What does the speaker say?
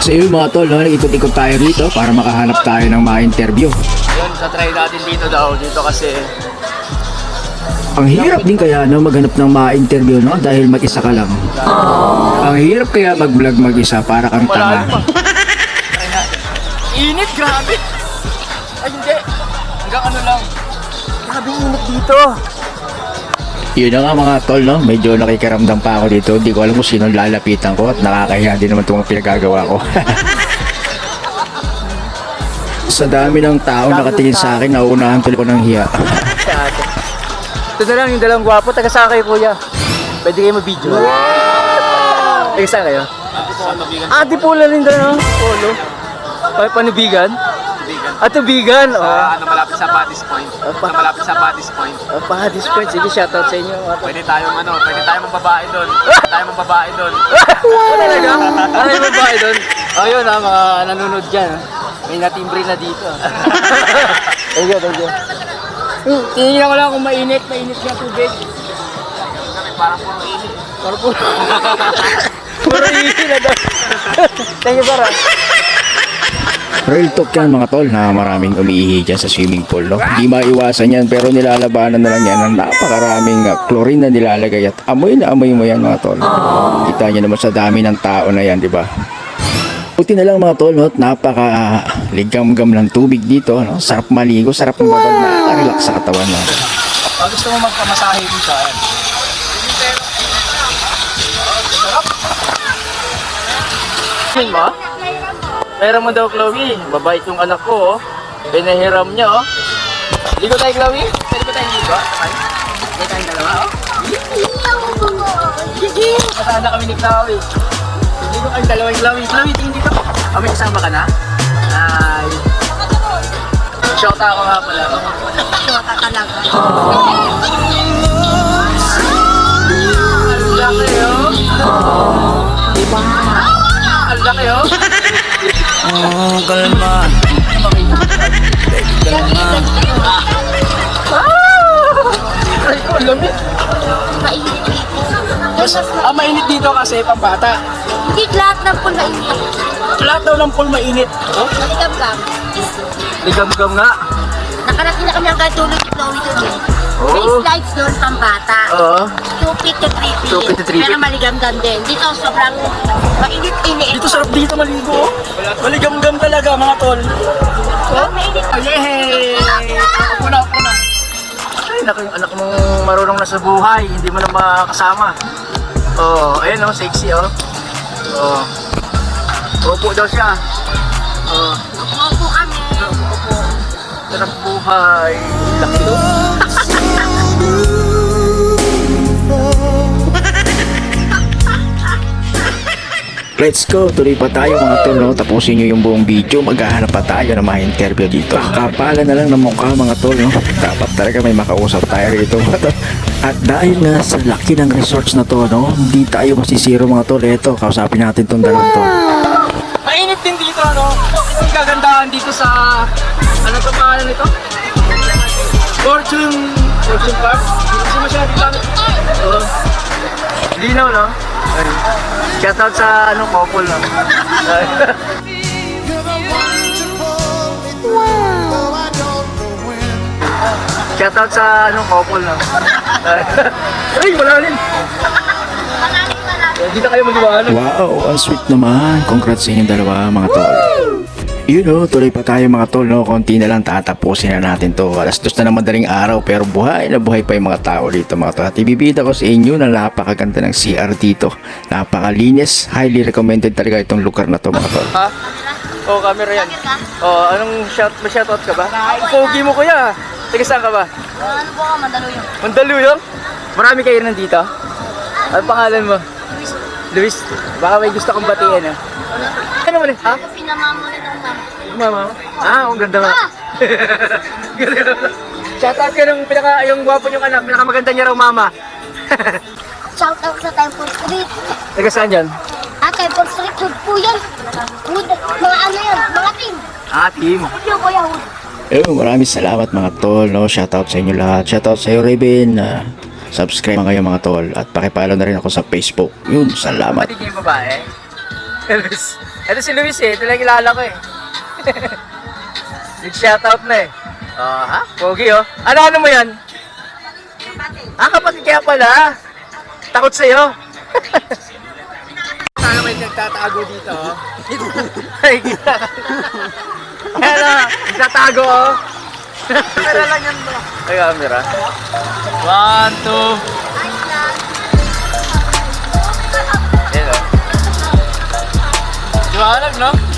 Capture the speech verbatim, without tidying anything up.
So yun mga tol, no? Ikot-ikot tayo rito para makahanap tayo ng mga interview. Yun, sa-try natin dito daw. Dito kasi Ang hirap din kaya no, maghanap ng mga interview no? Dahil mag-isa ka lang. Ang hirap kaya mag-vlog mag-isa para kang tanga. malayo pa. Try natin. Init, grabe. Ay, hindi. Hanggang ano lang. Grabe init dito. Yun na nga mga tol, no? Medyo nakikaramdam pa ako dito. Hindi ko alam kung sino lalapitan ko at nakakahiya din naman itong pinagagawa ko. Sa dami ng tao nakatingin sa akin, nauunahan tuloy ko ng hiya. Si ate. Ito na lang yung dalawang gwapo. Taga saan kayo, kuya? Pwede kayo mag-video. Taga saan kayo? Ah, Antipolo rin doon, no? Polo. Ay, panubigan? Ah, tubigan. Oh. Ano malapit sa Paddy's Point. pa- Ano malapit sa Paddy's Point. Ah, pa, this point. Sige, shoutout sa inyo. Pwede tayong ano, pwede tayong magbabae doon. Pwede tayong magbabae doon. Talaga? Ano yung babae doon? Oh, yun ha, mga nanonood dyan. ah. May natimbre na dito. Thank you, thank you. Hmm, Tingnan ko lang kung mainit, mainit yung tubig. Parang puro init. Parang puro. Puro init na daw. Thank you, Bara. Real talk yan mga tol na maraming umiihi dyan sa swimming pool. No? Hindi maiwasan yan pero nilalabanan na lang yan ng napakaraming uh, chlorine na nilalagay at amoy na amoy mo yan mga tol. Kita nyo naman sa dami ng tao na yan, di ba? Buti na lang mga tol, no? Napaka uh, ligam-gam ng tubig dito. No? Sarap maligo, sarap ng babad, nakaka-relax sa katawan. No? Pag gusto mo magpamasahe dito, ayan. Tingin mo? Meron mo daw, Chloe. Babait yung anak ko, oh. Pinahiram niya, oh. Ligo tayo, Chloe? Pwede ba tayong ligo? Pwede tayong dalawa, oh. Gigi! Masada kami ni Chloe. Ligo kayong dalawa, Chloe. Chloe, tingin dito. Oh, may kasama ka na? Ay. Shota ako nga pala. Shota talaga. Ang laki, oh. Diba? Ang laki, oh. Oh, kalma. Kalma. Ay, ko, lamig. Mainit dito. Mas, ah, mainit dito kasi pambata. Hindi lahat ng pool mainit. Lahat daw ng pool mainit. Oh? Maligam-gam. Ligam-gam nga. Nakarating na kami ang katulog ni Chloe doon eh. May Oo. slides doon pang bata. Oo. two feet to three feet. two feet to three Pero feet. maligam-gam din. Dito sobrang mainit-init. Dito sarap dito maligo. Oh. Maligam-gam talaga mga tol. Oh, mainit. Yay! Ako na, ako na. Ay, naku yung anak mong marunong na sa buhay. Hindi mo na makakasama. Oh, ayun oh, sexy oh. Oh. Opo daw siya. Oh. Opo kami. Opo. Sarap buhay. Laki to. Let's go, tuloy pa tayo mga tol, no? Tapusin nyo yung buong video, maghahanap pa tayo ng mga interview dito. Kapala na lang ng mukha mga tol, no? Dapat talaga may makausap tayo rito mga tol. At dahil nga sa laki ng resorts na to, no? Hindi tayo masisiro mga tol. Eto, kausapin natin tong dalawang to. Mainit din dito, ano? Ito yung kagandahan dito sa... Ano to pangalan nito? Fortune... Fortune Park? Hindi kasi masyadong gamit. Oo. Linaw, no? Ay. Shoutout sa ano, couple, no? Shoutout sa ano, couple, no? Ay, malalim! Hindi na kayo mag-iwanan. Wow, ang sweet naman. Congrats sa inyong dalawa mga tol. You know, tuloy pa tayo mga tol, no? Konti na lang tatapusin na natin to. Alas dos na naman daling araw pero buhay na buhay pa yung mga tao dito mga tol. At ibibida ko sa inyo na napakaganda ng C R dito. Napakalinis. Highly recommended talaga itong lugar na to mga tol. Ha? Oo, oh, camera yan. Oh, anong shout, may shoutout ka ba? Pogi mo kuya. Taga saan ka ba? Ano po ka? Mandaluyong. Mandaluyong? Marami kayo nandito? Ano pangalan mo? Luis. Baka may gusto kong batiin, ha? Ano mo rin? Ha? Pinamamo nitong mama. Mama? Ah, ang ganda nga. Shoutout ka ng pinaka, yung gwapo niyong anak, pinakamaganda niya raw mama. Shout out sa Temple Street. Taga saan dyan? Ah, Temple Street, hood po yan. Hood, mga ano yan, mga team. Ah, team. Hood yung kuya, hood. Eh, maraming salamat mga tol, no? Shoutout sa inyo lahat. Shoutout sa iyo, Raven. Uh, subscribe mga kayo mga tol. At pakipalo na rin ako sa Facebook. Yun, salamat. Pati yung babae. Luis. Ito si Luis eh. Ito lang kilala ko eh. Nag-shoutout na eh. Oh, ha? Pogi oh. Ano-ano mo yan? Ah, kapatid kaya pala. Takot sa'yo. Sana may nagtatago dito. oh. Ay, kita. Kaya na, nagtatago oh. Kamera lang yan bro. Ay, camera. One, two. Yan oh. Liwanag no?